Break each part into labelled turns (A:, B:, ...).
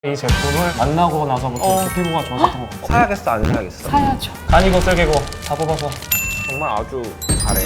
A: 이 제품을 만나고 나서부터 이렇게 피부가 좋아졌던 것 같아요.
B: 사야겠어 안 사야겠어?
C: 사야죠.
A: 간이고 쓸개고 다 뽑아서.
B: 정말 아주 잘해.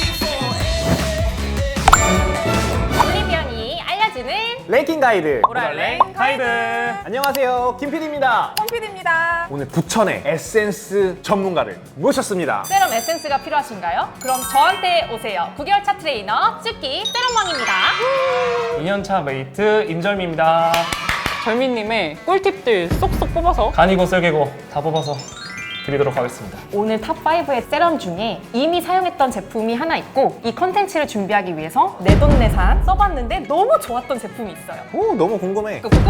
C: 올리비언이 알려주는
B: 랭킹 가이드.
C: 오랄랭
A: 가이드.
B: 안녕하세요, 김PD입니다.
C: 홈피디입니다.
B: 오늘 부천의 에센스 전문가를 모셨습니다.
C: 세럼 에센스가 필요하신가요? 그럼 저한테 오세요. 9개월차 트레이너 쭈끼 세럼왕입니다.
A: 2년차 메이트 임절미입니다.
D: 절미님의 꿀팁들 쏙쏙 뽑아서
A: 간이고 쓸개고 다 뽑아서 드리도록 하겠습니다.
C: 오늘 탑5의 세럼 중에 이미 사용했던 제품이 하나 있고 이 컨텐츠를 준비하기 위해서 내돈내산 써봤는데 너무 좋았던 제품이 있어요.
B: 오, 너무 궁금해.
C: 꾸꾸꾸!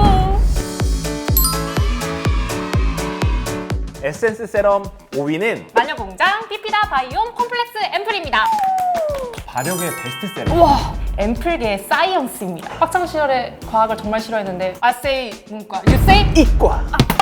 B: 에센스 세럼 5위는
C: 마녀공장 피피다 바이옴 콤플렉스 앰플입니다.
A: 발효계 베스트셀러.
C: 우와! 앰플계의 사이언스입니다. 학창시절에 과학을 정말 싫어했는데 I say 문과, you say
B: 이과.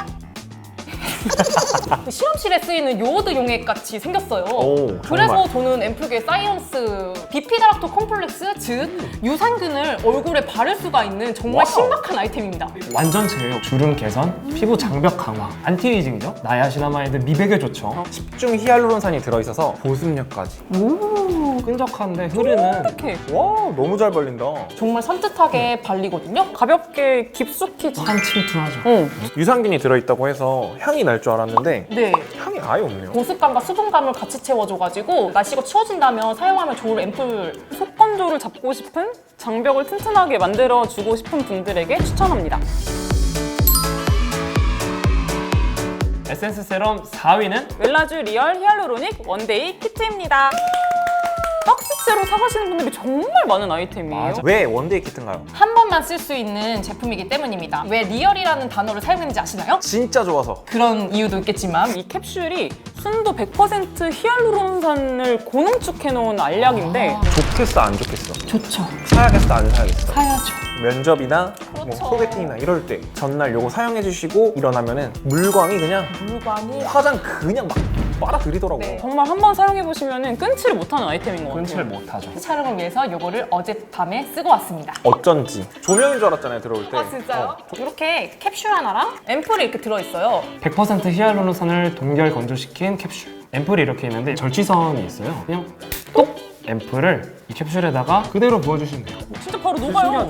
C: 실험실에 쓰이는 요오드 용액같이 생겼어요.
B: 오,
C: 그래서 저는 앰플계 사이언스 비피다락토 콤플렉스 즉 유산균을 얼굴에 바를 수가 있는 정말
B: 와우.
C: 신박한 아이템입니다.
A: 완전체예요. 주름 개선, 피부 장벽 강화, 안티에이징죠. 나야시나마이드 미백에 좋죠.
B: 집중 히알루론산이 들어있어서 보습력까지.
A: 오, 끈적한데 흐르는.
D: 이렇게
B: 와, 너무 잘 발린다.
C: 정말 산뜻하게 발리거든요.
D: 가볍게 깊숙이
A: 한 침투하죠.
B: 유산균이 들어있다고 해서 향이 날 줄 알았는데
C: 네.
B: 향이 아예 없네요.
C: 보습감과 수분감을 같이 채워줘가지고 날씨가 추워진다면 사용하면 좋을 앰플.
D: 속 건조를 잡고 싶은 장벽을 튼튼하게 만들어주고 싶은 분들에게 추천합니다.
A: 에센스 세럼 4위는
D: 웰라쥬 리얼 히알루로닉 원데이 키트입니다. 박스째로 사가시는 분들이 정말 많은 아이템이에요.
A: 맞아.
B: 왜 원데이 키트인가요?
C: 한 번만 쓸 수 있는 제품이기 때문입니다. 왜 리얼이라는 단어를 사용했는지 아시나요?
B: 진짜 좋아서.
C: 그런 이유도 있겠지만
D: 이 캡슐이 순도 100% 히알루론산을 고농축해놓은 알약인데
B: 좋겠어 안 좋겠어?
C: 좋죠.
B: 사야겠어 안 사야겠어?
C: 사야죠.
B: 면접이나
C: 그렇죠.
B: 뭐 소개팅이나 이럴 때 전날 요거 사용해 주시고 일어나면은 물광이 그냥
C: 물광이
B: 화장 그냥 막 빨아들이더라고.
C: 네.
D: 정말 한번 사용해보시면 끊지를 못하는 아이템인 것 같아요.
A: 끊지를 못하죠.
C: 촬영을 위해서 요거를 어젯밤에 쓰고 왔습니다.
B: 어쩐지 조명인 줄 알았잖아요 들어올 때.
C: 아 진짜요? 이렇게 캡슐 하나랑 앰플이 이렇게 들어있어요.
A: 100% 히알루론산을 동결 건조시킨 캡슐. 앰플이 이렇게 있는데 절취선이 있어요. 그냥 똑! 앰플을 이 캡슐에다가 그대로 부어주시면 돼요.
D: 진짜 바로 녹아요.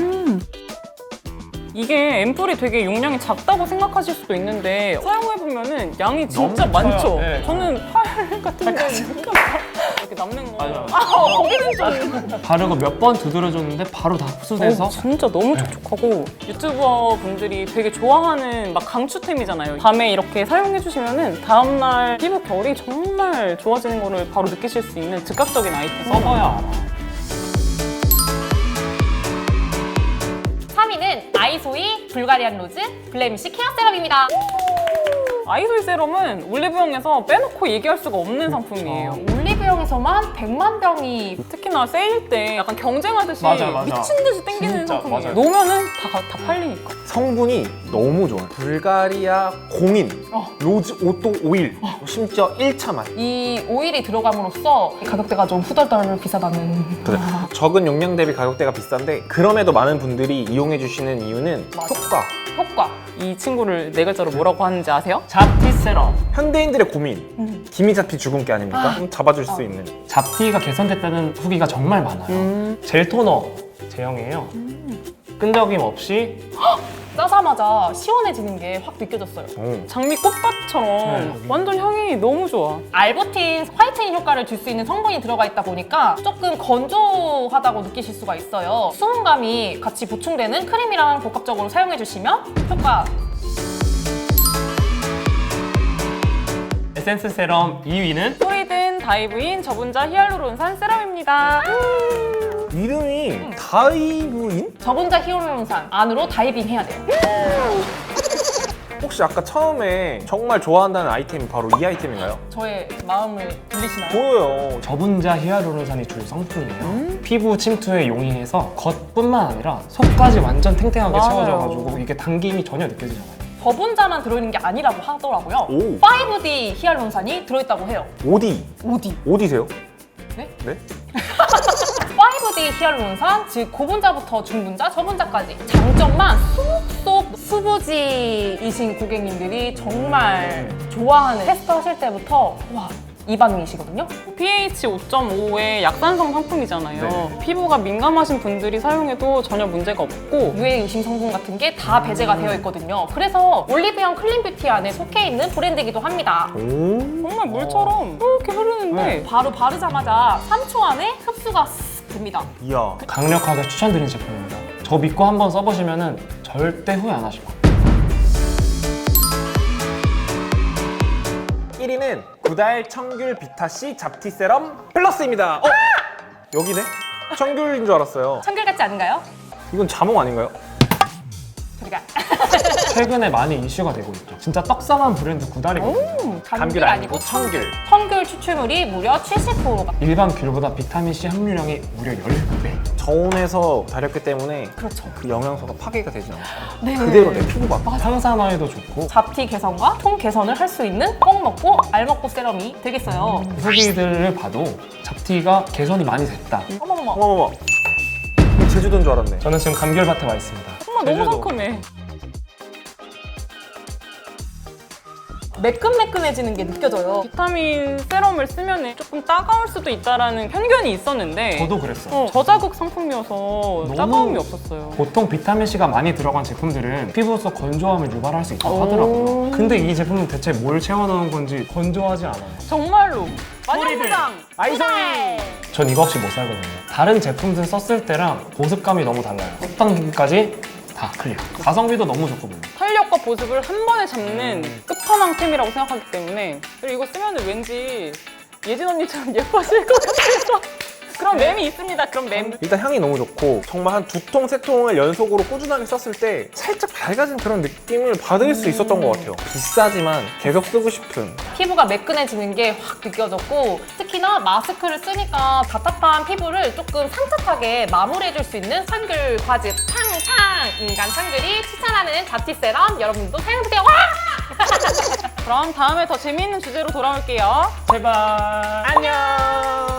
D: 이게 앰플이 되게 용량이 작다고 생각하실 수도 있는데 사용해보면은 양이 진짜
A: 너무
D: 많죠?
A: 커요. 네.
D: 저는 팔 같은 데는 이렇게 남는 거.
A: 맞아요.
D: 거기는 좀.
A: 바르고 몇 번 두드려줬는데 바로 다 흡수돼서
D: 진짜 너무 촉촉하고 유튜버 분들이 되게 좋아하는 막 강추템이잖아요. 밤에 이렇게 사용해주시면은 다음날 피부 결이 정말 좋아지는 거를 바로 느끼실 수 있는 즉각적인 아이템.
A: 써봐야 알아.
C: 3위는 아이소이 불가리안 로즈 블레미쉬 케어 세럼입니다.
D: 아이소이 세럼은 올리브영에서 빼놓고 얘기할 수가 없는 상품이에요.
C: 올리브영에서만 100만 병이
D: 특히나 세일 때 약간 경쟁하듯이
A: 맞아.
D: 미친 듯이 땡기는
A: 진짜,
D: 상품이에요.
A: 맞아요.
D: 놓으면은 다 팔리니까.
B: 성분이 너무 좋아요. 불가리아 공인, 로즈 오또 오일, 심지어 1차 맛.
C: 이 오일이 들어감으로써 가격대가 좀 후덜덜 비싸다는.
B: 그래. 적은 용량 대비 가격대가 비싼데 그럼에도 많은 분들이 이용해 주시는 이유는
C: 맞아.
B: 효과.
D: 이 친구를 네 글자로 뭐라고 하는지 아세요?
A: 잡티 세럼.
B: 현대인들의 고민. 김이 잡히 죽은 게 아닙니까? 좀 잡아줄 수 있는.
A: 잡티가 개선됐다는 후기가 정말 많아요. 젤 토너 제형이에요. 끈적임 없이
C: 짜자마자 시원해지는 게 확 느껴졌어요.
D: 장미 꽃밭처럼
A: 네.
D: 완전 향이 너무 좋아.
C: 알부틴 화이트닝 효과를 줄 수 있는 성분이 들어가 있다 보니까 조금 건조하다고 느끼실 수가 있어요. 수분감이 같이 보충되는 크림이랑 복합적으로 사용해주시면 효과.
A: 에센스 세럼 2위는
D: 소리든 다이브인 저분자 히알루론산 세럼입니다.
B: 이름이 다이브인?
C: 저분자 히알루론산 안으로 다이빙 해야 돼요.
B: 혹시 아까 처음에 정말 좋아한다는 아이템이 바로 이 아이템인가요?
C: 저의 마음을 들리시나요?
B: 보여요.
A: 저분자 히알루론산이 주 성분이에요. 피부 침투에 용이해서 겉뿐만 아니라 속까지 완전 탱탱하게
D: 맞아요.
A: 채워져가지고 이게 당김이 전혀 느껴지잖아요.
C: 저분자만 들어있는 게 아니라고 하더라고요.
B: 오.
C: 5D 히알루론산이 들어있다고 해요.
B: 어디?
C: 어디?
B: 어디세요?
C: 네?
B: 네?
C: 5D LED 히알루론산, 즉 고분자부터 중분자, 저분자까지 장점만 쏙쏙 수부지이신 고객님들이 정말 좋아하는 테스트 하실 때부터 와, 이 반응이시거든요.
D: pH 5.5의 약산성 상품이잖아요.
B: 네.
D: 피부가 민감하신 분들이 사용해도 전혀 문제가 없고
C: 유해 의심 성분 같은 게 다 배제가 되어 있거든요. 그래서 올리브영 클린뷰티 안에 속해 있는 브랜드이기도 합니다.
B: 오.
D: 정말 물처럼 이렇게 흐르는데
C: 바로 바르자마자 3초 안에 흡수가 쓱 됩니다.
B: 이야.
A: 강력하게 추천드리는 제품입니다. 저 믿고 한번 써보시면 절대 후회 안 하실 거예요.
B: 1위는 구달 청귤 비타C 잡티 세럼 플러스입니다. 여기네? 청귤인 줄 알았어요.
C: 청귤 같지 않은가요?
B: 이건 자몽 아닌가요?
C: 저리가.
A: 최근에 많이 이슈가 되고 있죠. 진짜 떡상한 브랜드 구달이거든요.
B: 감귤 아니고 청귤.
C: 청귤 추출물이 무려 70%가.
A: 일반 귤보다 비타민C 함유량이 무려 10배.
B: 저온에서 다렸기 때문에
C: 그렇죠.
B: 그 영양소가 파괴가 되지 않아요.
C: 네.
B: 그대로 내 피부가.
A: 항산화에도 좋고
C: 잡티 개선과 통 개선을 할 수 있는 꼭 먹고 알 먹고 세럼이 되겠어요.
A: 후기들을 봐도 잡티가 개선이 많이 됐다.
C: 어머머머.
B: 어머머머. 이거 제주도인 줄 알았네.
A: 저는 지금 감귤밭에 와 있습니다.
D: 정말 너무
B: 제주도.
D: 상큼해.
C: 매끈매끈해지는 게 느껴져요.
D: 비타민 세럼을 쓰면 조금 따가울 수도 있다라는 편견이 있었는데
A: 저도 그랬어요.
D: 저자극 상품이어서 따가움이 없었어요.
A: 보통 비타민C가 많이 들어간 제품들은 피부 속 건조함을 유발할 수 있다고 하더라고요. 근데 이 제품은 대체 뭘 채워넣은 건지 건조하지 않아요.
D: 정말로 마녀무장
B: 아이소이.
A: 전 이거 없이 못 살거든요. 다른 제품들 썼을 때랑 보습감이 너무 달라요. 끝단계까지 다 클리어. 가성비도 너무 좋거든요.
D: 탄력과 보습을 한 번에 잡는 끝판왕템이라고 생각하기 때문에 그리고 이거 쓰면 왠지 예진 언니처럼 예뻐질 것 같아서 그런 맴이 있습니다. 그런 맴.
B: 일단 향이 너무 좋고 정말 한 2통, 3통을 연속으로 꾸준하게 썼을 때 살짝 밝아진 그런 느낌을 받을 수 있었던 것 같아요. 비싸지만 계속 쓰고 싶은.
C: 피부가 매끈해지는 게 확 느껴졌고 특히나 마스크를 쓰니까 답답한 피부를 조금 산뜻하게 마무리해줄 수 있는 청귤 과즙 팡팡 인간 청귤이 추천하는 잡티 세럼 여러분들도 사용해보세요. 와!
D: 그럼 다음에 더 재미있는 주제로 돌아올게요.
A: 제발.
B: 안녕.